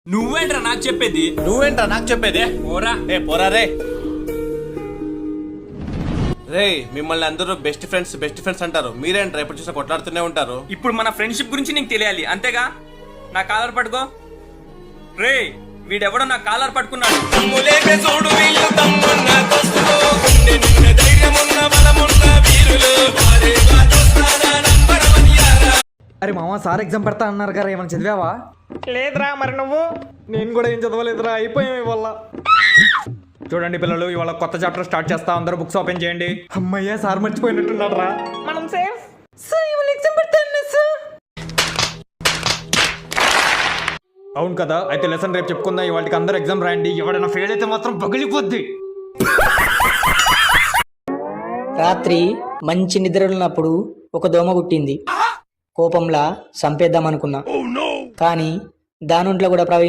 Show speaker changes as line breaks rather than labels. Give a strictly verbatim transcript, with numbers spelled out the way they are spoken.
నువ్వేంట్రా నాకు చెప్పేది?
నువ్వేంట్రా నాకు చెప్పేది?
పోరా.
ఏ పోరా రే. రే మిమ్మల్ని అందరూ బెస్ట్ ఫ్రెండ్స్ బెస్ట్ ఫ్రెండ్స్ అంటారు, మీరేంట్రా ఎప్పుడు చూసినా కొట్లాడుతూనే ఉంటారు.
ఇప్పుడు మన ఫ్రెండ్షిప్ గురించి నీకు తెలియాలి అంతేగా. నా కాలర్ పట్టుకో. రే వీడెవడో నా కాలర్ పట్టుకున్నాడు.
అరే మామ సార్ ఎగ్జామ్ పెడతా అన్నారు కదా, ఏమైనా చదివావా?
లేదురా. మరి నువ్వు?
నేను కూడా ఏం చదవలేదురా, అయిపోయాం ఇవాళ.
చూడండి పిల్లలు, ఇవాళ కొత్త చాప్టర్ స్టార్ట్ చేస్తా, అందరూ బుక్స్ ఓపెన్ చేయండి.
అమ్మయ్యా సార్ మర్చిపోయినట్టున్నాడు రా.
మనం సేఫ్. అవును కదా, అయితే లెసన్ రేపు చెప్పుకుందాం. ఇవాళకి అందరూ ఎగ్జామ్ రాయండి. ఎవడైనా ఫెయిల్ అయితే మాత్రం పగిలిపోద్ది.
రాత్రి మంచి నిద్రలున్నప్పుడు ఒక దోమ కుట్టింది. కోపంలా చంపేద్దామనుకున్నా, కానీ దానుంట్లో కూడా ప్రవహించి